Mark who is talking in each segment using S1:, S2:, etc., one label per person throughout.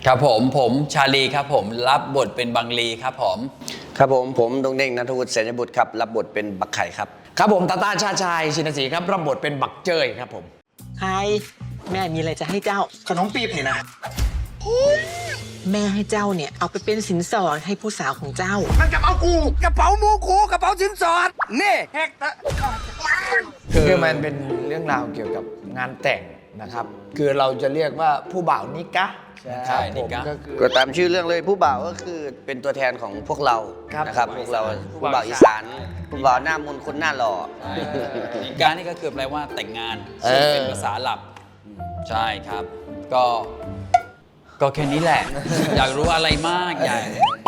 S1: ครับผมชาลีครับผมรับบทเป็นบังลีครับผม
S2: ครับผมดงเด้งณัฐวุฒิเสนบุตรครับรับบทเป็นบักไข่ครับ
S3: ครับผมตาตาชาชายชินศรีครับรับบทเป็นบักเจ้ยครับผม
S4: ใครแม่มีอะไรจะให้เจ้า
S5: ขนมปี๊บนี่นะ
S4: แม่ให้เจ้าเนี่ยเอาไปเป็นสินสอดให้ผู้สาวของเจ้า
S5: มันกระเป๋ากูกระเป๋ามูกูกระเป๋าสินสอดนี่แฮก
S3: คือมันเป็นเรื่องราวเกี่ยวกับงานแต่งนะครับคือเราจะเรียกว่าผู้บ่าวนิกะนะครับผมก็คือ
S2: ก็ตามชื่อเรื่องเลยผู้บ่าวก็คือเป็นตัวแทนของพวกเรา
S3: ครับ
S2: นะครับพวกเราผู้บ่าวอีสานผู้บ่าวหน้ามนต์คนหน้าหล่อ
S1: นิการนี่ก็คือแปลว่าแต่งงานซึ่งเป็นภาษาหลับใช่ครับก็แค่นี้แหละ อยากรู้อะไรมากอยาก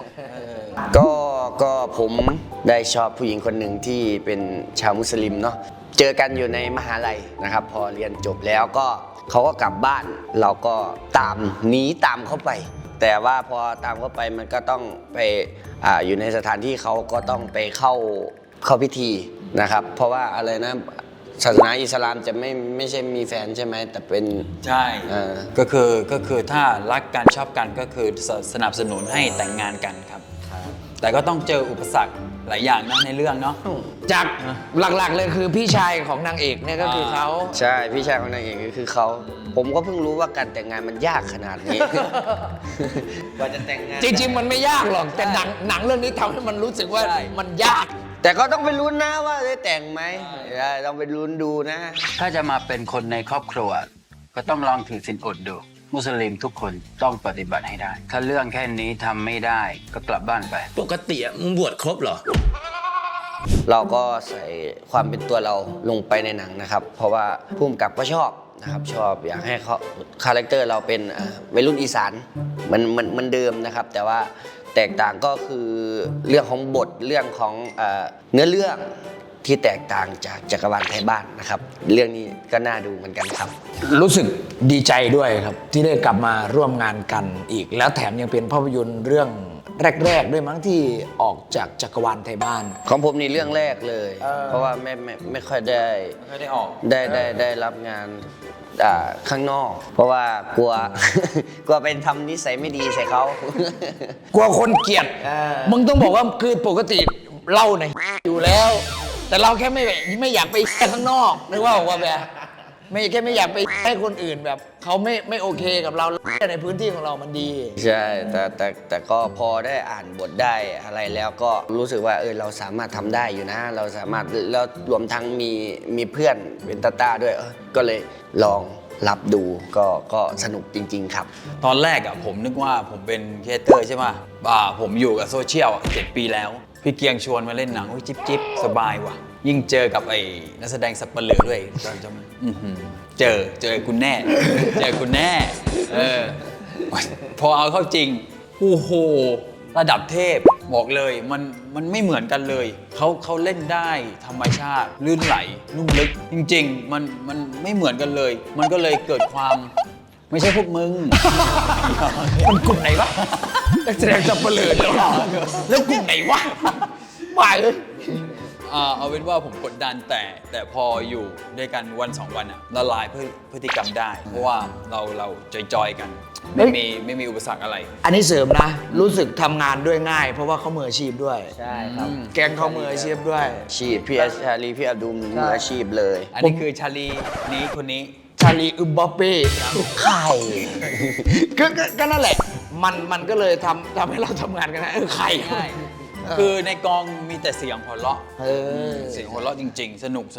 S2: ก็ผมได้ชอบผู้หญิงคนหนึ่งที่เป็นชาวมุสลิมเนาะเจอกันอยู่ในมหาลัยนะครับพอเรียนจบแล้วก็เขาก็กลับบ้านเราก็หนีตามเขาไป แต่ว่าพอตามเขาไปมันก็ต้องไปอยู่ในสถานที่เขาก็ต้องไปเข้าพิธีนะครับเพราะว่าอะไรนะศาสนาอิสลามจะไม่ใช่มีแฟนใช่ไหมแต่เป็น
S1: ใช่ก็คือถ้ารักกันชอบกันก็คือสนับสนุนให้แต่งงานกันครับแต่ก็ต้องเจออุปสรรคหลายอย่างนะในเรื่องเนาะ
S3: จากหลักๆเลยคือพี่ชายของนางเอกเนี่ยก็คือเขา
S2: ใช่พี่ชายของนางเอกก็คือเขาผมก็เพิ่งรู้ว่าการแต่งงานมันยากขนาดนี้ กว่าจะแต่งงาน
S3: จริงๆมันไม่ยากหรอกแต่หนังเรื่องนี้ทำให้มันรู้สึกว่ามันยาก
S2: แต่ก็ต้องไปลุ้นนะว่าได้แต่งไหมต้องไปลุ้นดูนะ
S6: ถ้าจะมาเป็นคนในครอบครัวก็ต้องลองถือศีลอดดูมุสลิมทุกคนต้องปฏิบัติให้ได้ถ้าเรื่องแค่นี้ทำไม่ได้ก็กลับบ้านไป
S5: ปกติมึงบวชครบเหรอ
S2: เราก็ใส่ความเป็นตัวเราลงไปในหนังนะครับเพราะว่าผู้กำกับก็ชอบนะครับชอบอยากให้เขาคาแรคเตอร์เราเป็นวัยรุ่นอีสานมันเดิมนะครับแต่ว่าแตกต่างก็คือเรื่องของบทเรื่องของเนื้อเรื่องที่แตกต่างจากจักรวาลไทยบ้านนะครับเรื่องนี้ก็น่าดูเหมือนกันครับ
S3: รู้สึกดีใจด้วยครับที่ได้กลับมาร่วมงานกันอีกแล้วแถมยังเป็นภาพยนตร์เรื่องแรกๆด้วยมั้งที่ออกจากจักรวาลไทยบ้าน
S2: ของผมนี่เรื่องแรกเลยเพราะว่าไม่ค่อยได้
S1: ออก
S2: ได้รับงานข้างนอกเพราะว่ากลัว กลัวเป็นทำนิสัยไม่ดีใส่เขา
S3: กลัวคนเกลียดมึงต้องบอกว่าคือปกติเราเนี่ยอยู่แล้วแต่เราแค่ไม่อยากไปข้างนอกนึกว่าแบบไม่อยากไปให้คนอื่นแบบเขาไม่โอเคกับเราในพื้นที่ของเรามันดี
S2: ใช่แต่ก็พอได้อ่านบทได้อะไรแล้วก็รู้สึกว่าเราสามารถทำได้อยู่นะเราสามารถแล้วรวมทั้งมีเพื่อนเป็นตาด้วยก็เลยลองรับดูก็สนุกจริงๆครับ
S1: ตอนแรกผมนึกว่าผมเป็นครีเอเตอร์ใช่ไหมผมอยู่กับโซเชียล7 ปีแล้วพี่เกียงชวนมาเล่นหนังจิ๊บสบายว่ะยิ่งเจอกับไอ้นักแสดงสับเปลือด้วยเจอคุณแน่เจอคุณแน่พอเอาเข้าจริงโอ้โหระดับเทพบอกเลยมันไม่เหมือนกันเลยเขาเล่นได้ธรรมชาติลื่นไหลนุ่มลึกจริงๆมันไม่เหมือนกันเลยมันก็เลยเกิดความไม่ใช่พวกมึง
S3: มันกลุ่มไหนวะนักแสดงสับเปลือแล้วกลุ่มไหนวะมาเลย
S1: เอาเป็นว่าผมกดดันแต่พออยู่ด้วยกันวัน2 วันละลายพฤติกรรมได้เพราะว่าเราจอยกันไม่มีอุปสรรคอะไร
S3: อันนี้เสริมนะรู้สึกทำงานด้วยง่ายเพราะว่าเขามืออาชีพด้วย
S2: ใช่ครับ
S3: แกงเขามืออาชีพด้วย
S2: พี่ชาลีพี่อับดุลมืออาชีพเลย
S1: อันนี้คือชาลีนี้คนนี้
S3: ชาลีอึมบัปเป้ไข่ก็นั่นแหละมันก็เลยทำให้เราทำงานกันนะไข่
S1: ง่ายคือในกองมีแต่เสียงหัวเราะเสียงหัวเราะจริงๆสนุก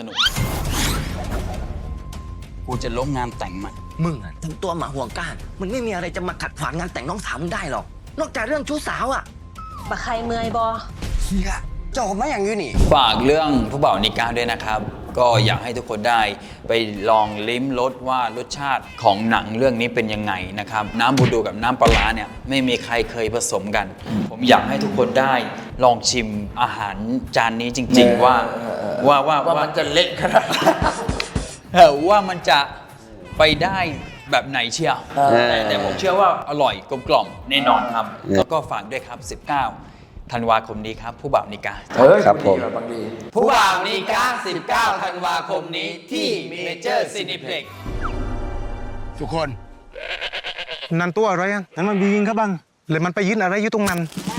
S6: กูจะล้มงานแต่งมัน
S5: มึงทำตัวหมาห่วงก้านมันไม่มีอะไรจะมาขัดขวางงานแต่งน้องสาวมึงได้หรอกนอกจากเรื่องชู้สาว
S4: บักใครเมื่อยบอ
S5: เฮียเจ้ามาอย่างนี้นี่
S1: ฝากเรื่องผู้บ่าวนิกาด้วยนะครับก็อยากให้ทุกคนได้ไปลองลิ้มรสว่ารสชาติของหนังเรื่องนี้เป็นยังไงนะครับน้ำบูดูกับน้ำปลาเนี่ยไม่มีใครเคยผสมกันผมอยากให้ทุกคนได้ลองชิมอาหารจานนี้จริงๆว่า
S3: มันจะเละขนาด
S1: ว่ามันจะไปได้แบบไหนเชียวแต่ผมเชื่อว่าอร่อยกลมกล่อมแน่นอนครับแล้วก็ฝากด้วยครับ19 ธันวาคมนี้ครับผู้บ่าวนิกา
S2: ครับผม
S1: ผู้บ่าวนิกา19 ธันวาคมนี้ที่เมเจอร์ซินิเพล็กซ์
S5: ทุกคน
S7: นั่นตัวอะไรอ่ะนั่นมันบียิงครับบังเลยมันไปยืนอะไรอยู่ตรงนั้น